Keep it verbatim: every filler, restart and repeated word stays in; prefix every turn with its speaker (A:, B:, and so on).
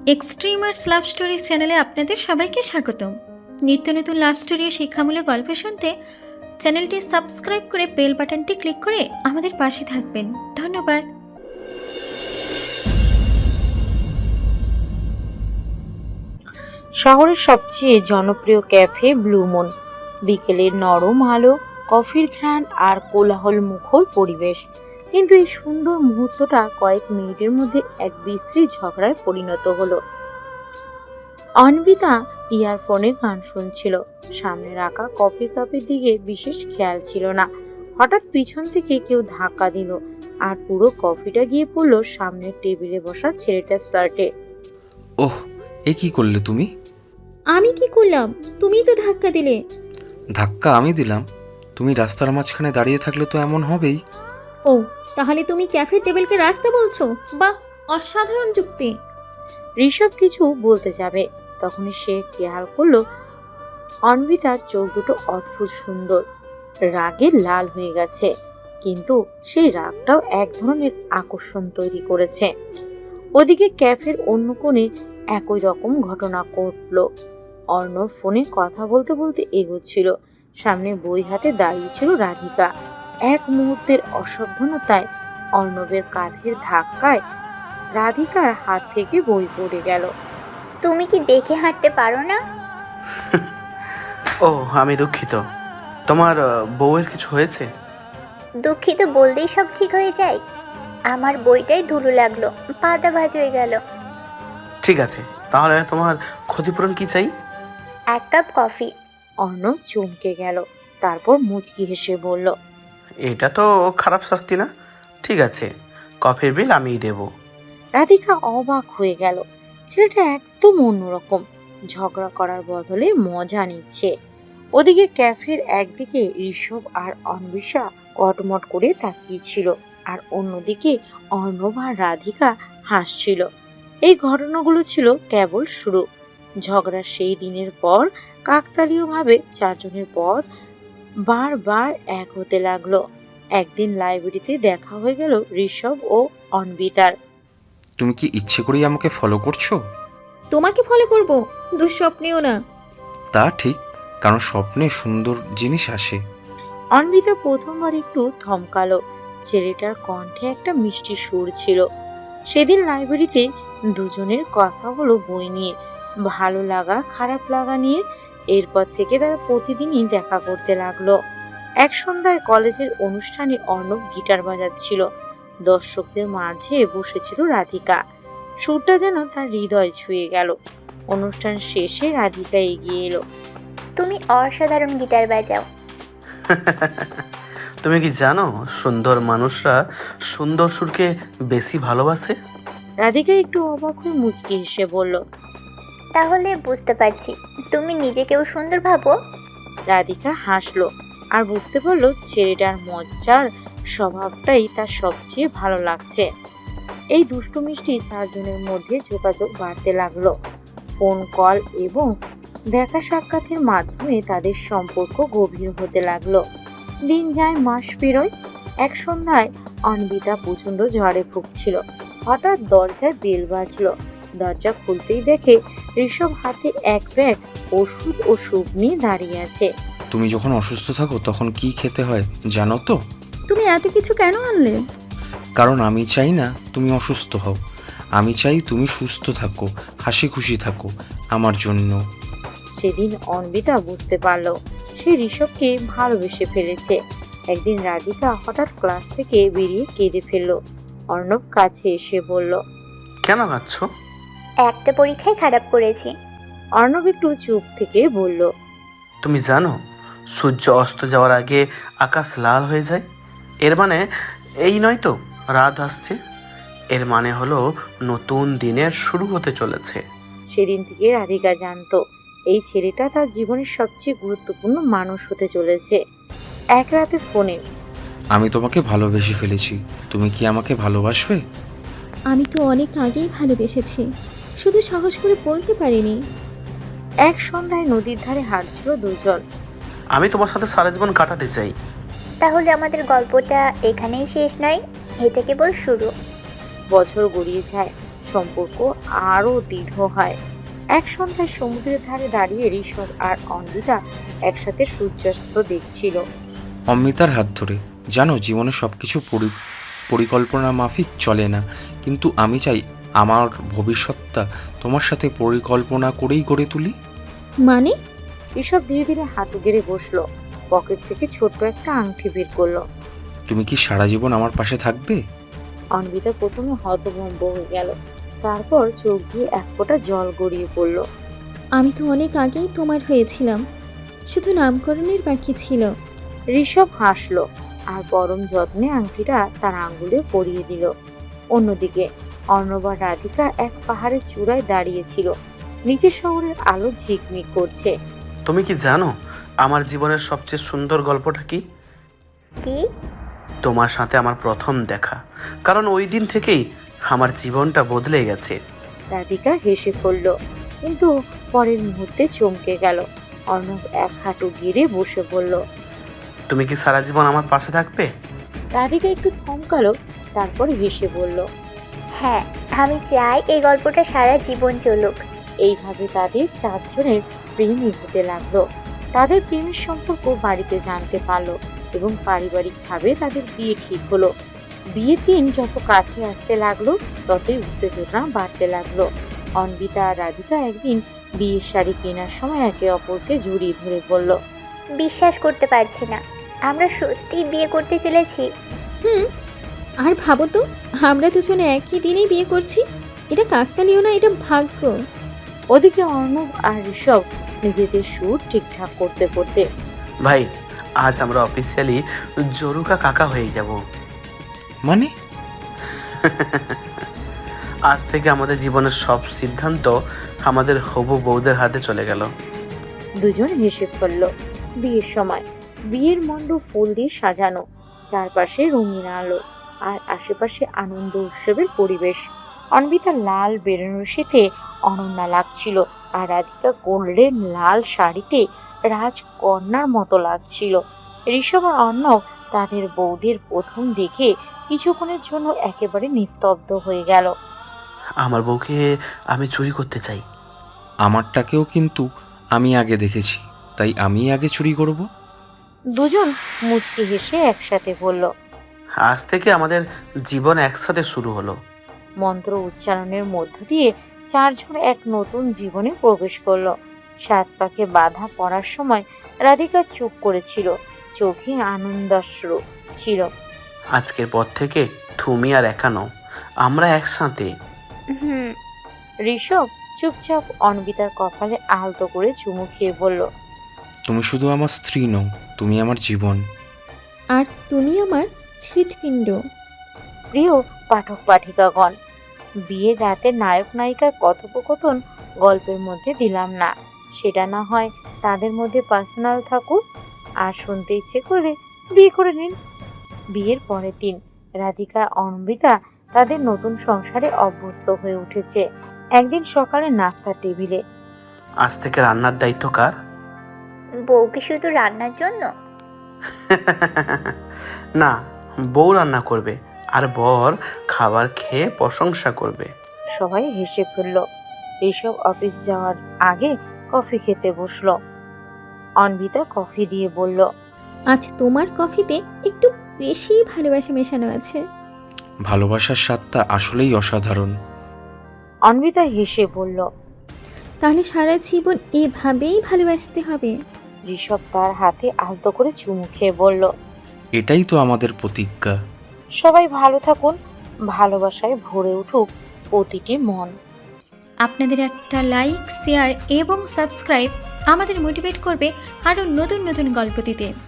A: Extremers love story চ্যানেলে আপনাদের সবাইকে স্বাগতম। নিত্য নতুন লাভ স্টোরি ও শিক্ষামূলক গল্প শুনতে চ্যানেলটি সাবস্ক্রাইব করে বেল বাটনটি ক্লিক করে আমাদের পাশে থাকবেন। ধন্যবাদ।
B: শহরের সবচেয়ে জনপ্রিয় ক্যাফে ব্লু মুন। বিকেলের নরম আলো, কফির ঘ্রাণ আর কোলাহল মুখর পরিবেশ। কিন্তু এই সুন্দর মুহূর্তটা কয়েক মিনিটের মধ্যে এক বিশ্রী ঝগড়ায় পরিণত হলো। অন্বিতা ইয়ারফোনে গান শুনছিল। সামনে রাখা কফির কাপের দিকে বিশেষ খেয়াল ছিল না। হঠাৎ পিছন থেকে কেউ ধাক্কা দিল আর পুরো কফিটা গিয়ে পড়লো সামনের টেবিলে বসা ছেলেটার শার্টে।
C: ওহ, এ কি করলে তুমি?
A: আমি কি করলাম? তুমিই তো ধাক্কা দিলে।
C: ধাক্কা আমি দিলাম? তুমি রাস্তার মাঝখানে দাঁড়িয়ে থাকলে তো এমন হবেই।
A: ও, তাহলে তুমি ক্যাফের টেবিলকে রাস্তা বলছো? বাহ, অসাধারণ যুক্তি।
B: ঋষভ কিছু বলতে যাবে, তখনই সে খেয়াল করলো অন্বিতার চোখ দুটো অদ্ভুত সুন্দর, রাগে লাল হয়ে গেছে, কিন্তু সেই রাগটাও এক ধরনের আকর্ষণ তৈরি করেছে। ওদিকে ক্যাফের অন্য কোণে একই রকম ঘটনা ঘটল। অর্ণব ফোনে কথা বলতে বলতে এগোচ্ছিল। সামনে বই হাতে দাঁড়িয়েছিল রাধিকা। এক মুহূর্তের অসাবধানতায় অর্ণবের কাঁধের ধাক্কায় রাধিকার হাত থেকে বই পড়ে গেল।
D: তুমি কি দেখে হাঁটতে পারো না?
E: ও, আমি দুঃখিত। তোমার বউয়ের কিছু হয়েছে?
D: দুঃখিত বললেই সব ঠিক হয়ে যায়? আমার বইটাই ধুলো লাগলো, পাতা ভাঁজ হয়ে গেল।
E: ঠিক আছে, তাহলে তোমার ক্ষতিপূরণ কি চাই?
D: এক কাপ কফি।
B: অর্ণব চমকে গেল, তারপর মুচকি হেসে বলল,
E: এটা তো খারাপ শাস্তি না। ঠিক আছে, কফির বিল আমিই দেব।
B: রাধিকা অবাক হয়ে গেল। ছেলেটা একদম অন্যরকম, ঝগড়া করার বদলে মজা নিচ্ছে। ওদিকে ক্যাফের একদিকে ঋষভ আর অন্বিষা কটমট করে তাকিয়েছিল, আর অন্যদিকে অর্ণব আর রাধিকা হাসছিল। এই ঘটনাগুলো ছিল কেবল শুরু। ঝগড়ার সেই দিনের পর কাকতালীয়ভাবে চারজনের পথ বারবার এক হতে লাগলো। একদিন লাইব্রেরিতে দেখা হয়ে গেল ঋষভ ও অন্বিতার।
C: তুমি কি ইচ্ছে করেই আমাকে ফলো করছো?
A: তোমাকে ফলো করব? দুঃস্বপ্নেও না।
C: তা ঠিক, কারণ স্বপ্নে সুন্দর জিনিস আসে।
B: অন্বিতা প্রথমবার একটু থমকালো। ছেলেটার কণ্ঠে একটা মিষ্টি সুর ছিল। সেদিন লাইব্রেরিতে দুজনের কথা হলো বই নিয়ে, ভালো লাগা খারাপ লাগা নিয়ে। এরপর থেকে তারা প্রতিদিনই দেখা করতে লাগলো। এক সন্ধ্যায় কলেজের অনুষ্ঠানে অর্ণব গিটার বাজাচ্ছিল। দর্শকদের মাঝে বসেছিল রাধিকা। সুরটা যেন তার হৃদয় ছুঁয়ে গেল। অনুষ্ঠান শেষে রাধিকা এগিয়ে এলো।
D: তুমি অসাধারণ গিটার বাজাও।
E: তুমি কি জানো সুন্দর মানুষরা সুন্দর সুরকে বেশি ভালোবাসে?
B: রাধিকা একটু অবাক হয়ে মুচকি হেসে বলল,
D: তাহলে বুঝতে পারছি তুমি নিজেকেও সুন্দর ভাবো।
B: রাধিকা হাসলো আর বুঝতে পারলো ছেলেটার মজার স্বভাবটাই তার সবচেয়ে ভালো লাগছে। এই দুষ্টু মিষ্টি চারজনের মধ্যে যোগাযোগ বাড়তে লাগলো। ফোন কল এবং দেখা সাক্ষাতের মাধ্যমে তাদের সম্পর্ক গভীর হতে লাগলো। দিন যায়, মাস পেরোয়। এক সন্ধ্যায় অন্বিতা প্রচন্ড ঝড়ে ভুগছিল। হঠাৎ দরজায় বেল বাজলো। দরজা খুলতেই দেখে ঋষভ হাতে এক ব্যাগ ওষুধ ও স্যুপ নিয়ে দাঁড়িয়ে আছে।
C: তুমি যখন অসুস্থ থাকো তখন কি খেতে হয় জানো তো?
A: তুমি এত কিছু কেন আনলে?
C: কারণ আমি চাই না তুমি অসুস্থ হও। আমি চাই তুমি সুস্থ থাকো, হাসি খুশি থাকো আমার জন্য।
B: সেদিন অন্বিতা বুঝতে পারলো সে ঋষভকে ভালোবেসে ফেলেছে। একদিন রাধিকা হঠাৎ ক্লাস থেকে বেরিয়ে কেঁদে ফেললো। অর্ণব কাছে এসে বলল,
E: কেন কাঁদছো?
D: একটা পরীক্ষায় খারাপ করেছি।
B: অর্ণব একটু চুপ থেকে বলল,
E: তুমি জানো সূর্য অস্ত যাওয়ার আগে আকাশ লাল হয়ে যায়। এর মানে এই নয় তো রাত আসছে। এর মানে হলো নতুন দিনের শুরু হতে চলেছে।
B: সেদিন থেকে রাধিকা জানতো এই ছেলেটা তার জীবনের সবচেয়ে গুরুত্বপূর্ণ মানুষ হতে চলেছে। এক রাতে ফোনে,
C: আমি তোমাকে ভালোবেসে ফেলেছি, তুমি কি আমাকে ভালোবাসবে?
A: আমি তো অনেক আগেই ভালোবেসেছি, শুধু সাহস করে বলতে পারিনি।
B: এক সন্ধ্যায় নদীর ধারে হাঁটছিল দুজন।
E: আমি তোমার সাথে সারা জীবন কাটাতে চাই।
D: তাহলে আমাদের গল্পটা এখানেই শেষ নয়, এটা কেবল শুরু।
B: বছর গড়িয়ে যায়, সম্পর্ক আরো দৃঢ় হয়। এক সন্ধ্যায় সমুদ্রের ধারে দাঁড়িয়ে ঋষভ আর অন্বিতা একসাথে সূর্যাস্ত দেখছিল।
C: অমৃতার হাত ধরে, জানো জীবনে সব কিছু পরি পরিকল্পনা মাফিক চলে না, কিন্তু আমি চাই আমার ভবিষ্যৎটা তোমার সাথে পরিকল্পনা করেই গড়ে তুলি।
A: মানে?
B: ঋষভ ধীরে ধীরে হাঁটু গেড়ে বসলো, পকেট থেকে ছোট্ট একটা আংটি বের করলো।
C: তুমি কি সারা জীবন আমার পাশে থাকবে?
B: অন্বিতা প্রথমে হতভম্ব হয়ে গেল, তারপর চোখ দিয়ে এক ফোঁটা জল গড়িয়ে পড়ল।
A: আমি তো অনেক আগেই তোমার হয়েছিলাম, শুধু নামকরণের বাকি ছিল।
B: ঋষভ হাসলো আর পরম যত্নে আংটিটা তার আঙ্গুলে পরিয়ে দিল। অন্যদিকে অর্ণব আর রাধিকা এক পাহাড়ের চূড়ায় দাঁড়িয়েছিল, নিচের শহরের আলো ঝিকমিক করছে।
E: তুমি কি জানো আমার জীবনের সবচেয়ে সুন্দর গল্পটা কি?
D: কি?
E: তোমার সাথে আমার প্রথম দেখা, কারণ ওই দিন থেকেই আমার জীবনটা বদলে গেছে।
B: রাধিকা হেসে ফেলল, কিন্তু পরের মুহূর্তে চমকে গেল। অর্ণব এক হাঁটু গিরে বসে বলল,
E: তুমি কি সারা জীবন আমার পাশে থাকবে?
B: রাধিকা একটু থমকালো, তারপর হেসে বলল,
D: হ্যাঁ, আমি চাই এই গল্পটা সারা জীবন চলুক।
B: এইভাবে তাদের চারজনের প্রেমই হতে লাগলো। তাদের প্রেমের সম্পর্ক বাড়িতে জানতে পারলো এবং পারিবারিকভাবে তাদের বিয়ে ঠিক হলো। বিয়ের দিন যত কাছে আসতে লাগলো ততই উত্তেজনা বাড়তে লাগলো। অন্বিতা আর রাধিকা একদিন বিয়ের শাড়ি কেনার সময় একে অপরকে জড়িয়ে ধরে বলল,
D: বিশ্বাস করতে পারছি না, আমরা সত্যি বিয়ে করতে চলেছি।
A: হুম, আর ভাবো তো, আমরা দুজনে একই দিনেই বিয়ে করছি। এটা কাকতালীয় না, এটা ভাগ্য।
B: ওদিকে অর্ণব আর ঋষভ নিজেদের সুর ঠিকঠাক করতে করতে,
E: ভাই, আজ আমরা অফিসিয়ালি জরুকা কাকা হয়ে যাব।
C: মানে?
E: আজ থেকে আমাদের জীবনের সব সিদ্ধান্ত আমাদের হবু বউদের হাতে চলে গেল।
B: দুজন হেসে ফেলল। বিয়ের সময় বিয়ের মণ্ডপ ফুল দিয়ে সাজানো, চারপাশে রঙিন আলো আর আশেপাশে আনন্দ উৎসবের পরিবেশ। অন্বিতা লাল বেনারসিতে অনন্যা লাগছিল আর রাধিকা গোল্ডেন লাল শাড়িতে রাজকন্যার মতো লাগছিল। ঋষভ আর অর্ণব তাদের বৌদের প্রথম দেখে কিছুক্ষণের জন্য একেবারে নিস্তব্ধ হয়ে গেল।
E: আমার বউকে আমি চুরি করতে চাই।
C: আমারটাকেও কিন্তু আমি আগে দেখেছি, তাই আমি আগে চুরি করব।
B: দুজন মুচকি হেসে একসাথে বলল।
E: আজ থেকে আমাদের জীবন একসাথে শুরু হলো।
B: মন্ত্র উচ্চারণের মধ্য দিয়ে চারজন এক নতুন জীবনে প্রবেশ করলো। সাত পাকে বাধা পড়ার সময় রাধিকা চুপ করেছিল, চোখে আনন্দাশ্রু ছিল।
E: আজকের পর থেকে তুমি আর একা নও, আমরা একসাথে।
D: হুম।
B: ঋষভ চুপচাপ অন্বিতার কপালে আলতো করে চুমু খেয়ে বলল,
C: তুমি শুধু আমার স্ত্রী নও, তুমি আমার জীবন।
A: আর তুমি আমার হৃৎপিণ্ড।
B: প্রিয় পাঠক পাঠিকাগণ, বিয়ের রাতে নায়ক নায়িকার কথোপকথন গল্পের মধ্যে দিলাম না, সেটা না হয় তাদের মধ্যে পার্সোনাল থাকুক। আর শুনতে ইচ্ছে করলে বিয়ে করে নিন। বিয়ের পরের দিন রাধিকা অন্বিতা তাদের নতুন সংসারে অভ্যস্ত হয়ে উঠেছে। একদিন সকালে নাস্তার টেবিলে,
E: আজ থেকে রান্নার দায়িত্ব কার?
D: বউকে শুধু রান্নার জন্য?
E: না, বউ রান্না করবে আর বর খাবার খেয়ে প্রশংসা করবে।
B: সবাই হেসে ফেলল। ঋষভ অফিস যাওয়ার আগে কফি খেতে বসলো। অন্বিতা কফি দিয়ে বলল,
A: আজ তোমার কফিতে একটু বেশি ভালোবাসা মেশানো আছে।
C: ভালোবাসার স্বাদটা আসলেই অসাধারণ।
B: অন্বিতা হেসে বলল।
A: তাহলে সারা জীবন এভাবেই ভালোবাসতে হবে।
B: ঋষভ তার হাতে আলতো করে চুমু খেয়ে বলল,
C: এটাই তো আমাদের প্রতিজ্ঞা।
B: সবাই ভালো থাকুন, ভালোবাসায় ভরে উঠুক প্রতিটি মন।
A: আপনাদের একটা লাইক, শেয়ার এবং সাবস্ক্রাইব আমাদের মোটিভেট করবে আরও নতুন নতুন গল্প দিতে।